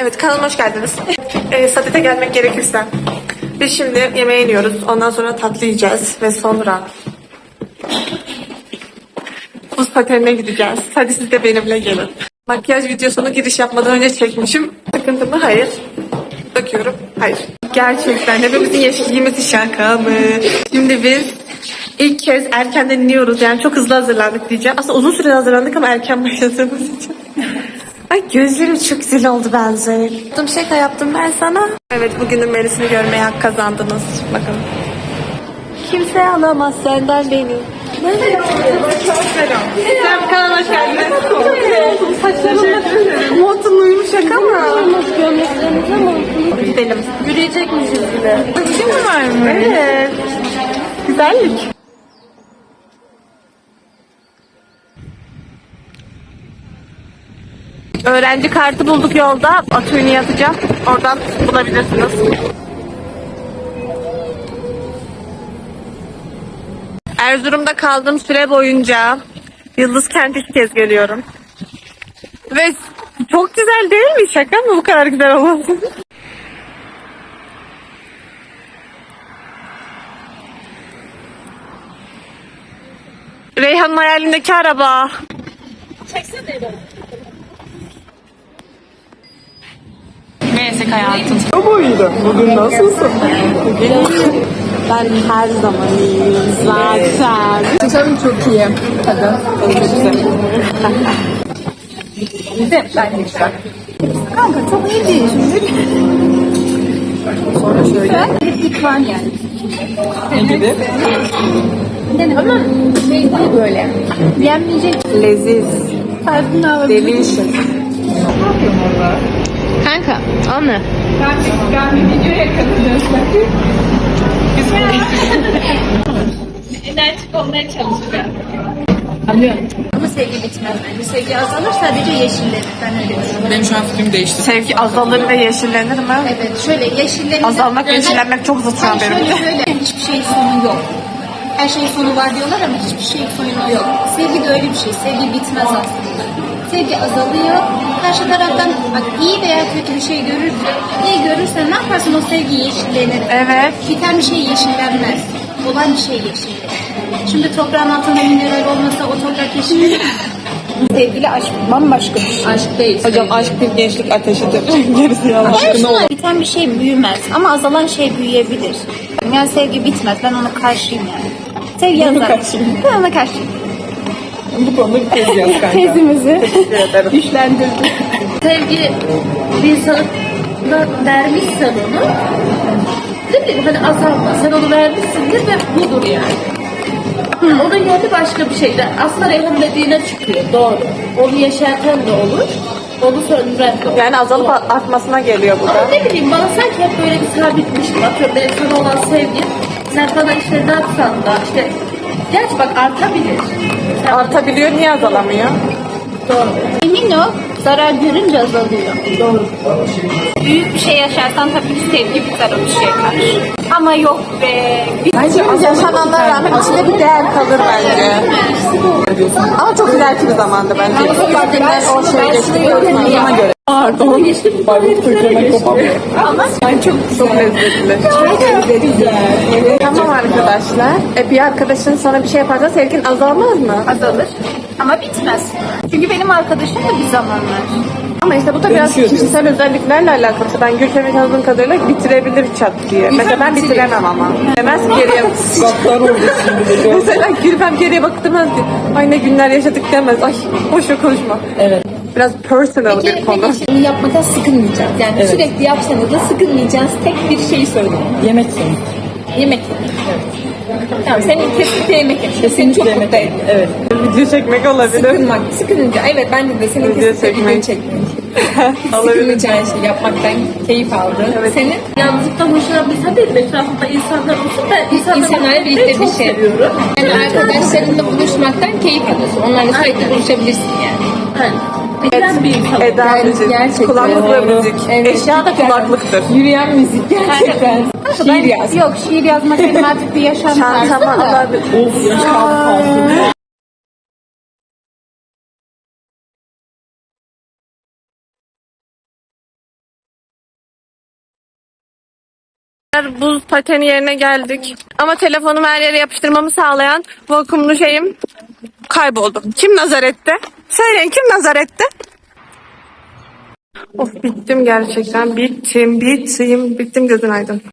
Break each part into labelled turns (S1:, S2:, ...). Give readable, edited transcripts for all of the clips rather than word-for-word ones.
S1: Evet, kanalıma hoş geldiniz. Sadete gelmek gerekirse. Biz şimdi yemeğe iniyoruz. Ondan sonra tatlı yiyeceğiz. Ve sonra buz patenine gideceğiz. Hadi siz de benimle gelin. Makyaj videosunu giriş yapmadan önce çekmişim. Sıkıntı mı? Hayır. Bakıyorum. Hayır. Gerçekten hepimizin yeşilliğimiz şaka mı? Şimdi biz ilk kez erkenden iniyoruz. Yani çok hızlı hazırlandık diyeceğim. Aslında uzun süre hazırlandık ama erken başladığımız için. Ay gözlerim çok güzel oldu bence. Yaptım şaka yaptım ben sana. Evet, bugünün menüsünü görmeye hak kazandınız. Bakın. Kimse alamaz senden beni. Sen kanalıma hoş geldin. Saçlarımla montun uyumuş şaka mı?
S2: Gömleklerinize montunuz.
S1: Gidelim.
S2: Yürüyecekmişiz bile.
S1: Kim mi var mı? Evet. Güzellik. Öğrenci kartı bulduk yolda. Atölye yazacağım. Oradan bulabilirsiniz. Erzurum'da kaldığım süre boyunca Yıldız Kent'e ilk kez geliyorum. Ve çok güzel değil mi? Şaka mı bu kadar güzel olması? Reyhan'ın hayalindeki araba. Neyse hayatım.
S3: Buydu. Bugün nasılsın?
S1: Ben her zaman iyiyim zaten.
S3: Canım çok iyi. Hadi. Güzel. Bence güzel. Kanka çok iyi değil şimdi. Sonra şöyle. Heplik var yani. Ne gibi? Ama şey değil böyle. Yenmeyecek.
S1: Leziz.
S3: Tarzını alabilir.
S1: Delicious.
S3: Ne yapıyorum orada?
S2: Kanka, anne.
S3: Ben bir videoya katılıyorum.
S2: Enerjik olmaya çalışacağım.
S3: Anlıyorum. Ama sevgi bitmez bence. Sevgi azalır sadece yeşillenir. Ben öyle düşünüyorum.
S4: Benim şu an fikrim değişti.
S1: Sevgi azalır ve yeşillenir mi?
S3: Evet şöyle yeşillenir.
S1: Azalmak ve yeşillenmek çok zıt şu an benim için.
S3: Şöyle hiçbir şeyin sonu yok. Her şeyin sonu var diyorlar ama hiçbir şeyin sonu yok. Sevgi de öyle bir şey. Sevgi bitmez aslında. Sevgi azalıyor. Karşı taraftan bak iyi veya kötü bir şey iyi görürsen ne yaparsın, o sevgi yeşillenir.
S1: Evet.
S3: Biten bir şey yeşillenmez. Olan bir şey yeşillenir. Şimdi toprağın altında mineral olmasa o toprak yeşillenir mi? Sevgili aşk bambaşka bir şey. Aşk değil.
S1: Hocam aşk bir gençlik ateşidir. Gerisi yalan.
S3: Biten bir şey büyümez ama azalan şey büyüyebilir. Yani sevgi bitmez. Ben ona karşıyım yani. Sevgi azar. Ben ona karşıyım.
S4: Bu konuda bir tez yaz kanka.
S3: Tezimizi güçlendirdik. Sevgi bir insana vermişsen onu, ne bileyim hani azalma. Sen onu vermişsindir ve budur yani. Onun yerine başka bir şeyler. Aslında Reyhan dediğine çıkıyor. Doğru. Onu yaşarken de olur. Onu söndüren de olur.
S1: Yani azalıp artmasına geliyor bu
S3: Ama
S1: da.
S3: ne bileyim bana sanki hep böyle bir sabitmiştim. Atıyorum benim sana olan sevgim. Sen bana işte ne yapsan da işte. Gerçi bak artabilir. Sen
S1: Artabiliyor, niye azalamıyor?
S3: Doğru. Emin ol, zarar görünce azalıyor. Doğru. Büyük bir şey yaşarsan tabii ki sevgi biter o bir şeye karşı. Ama yok be.
S1: Bence yaşananlara rağmen içinde bir değer kalır bence. Ama çok ileriki bir zamanda bence. Kendinden o şey geçtikten sonra göre. Pardon.
S4: Barut kuyruğuna kopamıyor.
S3: Ama
S1: Çok lezzetli. Tamam arkadaşlar. Bir arkadaşın sana bir şey yaparsa sevgin azalmaz mı?
S3: azalır. Ama bitmez. Çünkü benim arkadaşım da bir zamanlar.
S1: Ama işte bu da biraz
S4: Değişiyor
S1: kişisel özelliklerle alakalı. Mesela ben Gülfem'i tanıdığım kadarıyla bitirebilir çat diye. Mesela ben bitiremem ama. Demez ki geriye.
S4: Gaddar oldu şimdi de.
S1: Mesela Gülfem geriye bakıp demez ki ay ne günler yaşadık demez. Ay boşver konuşma.
S4: Evet.
S1: Biraz personal bir konu.
S2: Bunu yapmaktan sıkılmayacağız. Yani
S4: Evet.
S2: sürekli yapsanız da sıkılmayacağınız tek bir şey söyleyeyim.
S4: Yemek senin.
S2: Yemek yemek. Tamam, senin kesinlikle yemek yemek. Seni çok mutlu ediyor.
S4: Evet.
S1: Video çekmek olabilir.
S2: Sıkılmak, sıkılınca. Evet bence de senin
S1: Video
S2: kesinlikle
S1: çekmek.
S2: video çekmek.
S1: Olabilir.
S2: Sıkılmayacağın şey yapmaktan keyif aldın. Senin
S3: Yalnızlıktan hoşlanmışsa değil, etrafında insanlar olsun. Ben
S2: insanlarla birlikte bir şey.
S3: seviyorum.
S2: Yani arkadaşlarınla buluşmaktan keyif alıyorsun. Onlarla sürekli buluşabilirsin yani.
S3: Eden bir insan.
S1: Eda müzik,
S2: gerçekten.
S1: kulaklıkla
S4: Doğru.
S1: müzik.
S2: Evet.
S1: Eşya da kulaklıktır.
S2: Yürüyen müzik gerçekten. Şiir yaz.
S3: Yok, şiir yazmak benim artık bir yaşam tarzım
S1: Çantama
S3: da.
S1: alabilir.
S4: Of yaşam.
S1: Buz pateni yerine geldik. Ama telefonumu her yere yapıştırmamı sağlayan vakumlu şeyim kayboldu. Kim nazar etti? Söyleyin, kim nazar etti? Of, bittim gerçekten. Bittim, gözün aydın.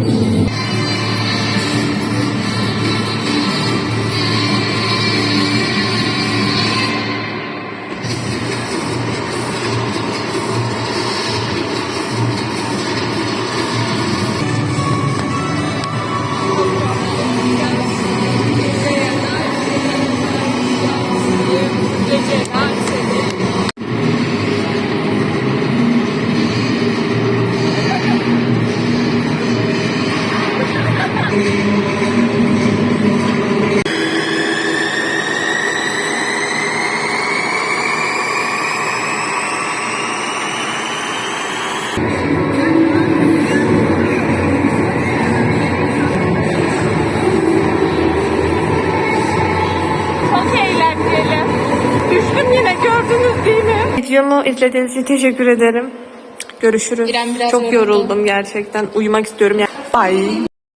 S2: Çok eğlenceli.
S1: Düştüm yine, gördünüz değil mi? Videomu izlediğiniz için teşekkür ederim. Görüşürüz.
S2: İrem biraz
S1: Çok
S2: yoruldu.
S1: yoruldum gerçekten. Uyumak istiyorum. Bye.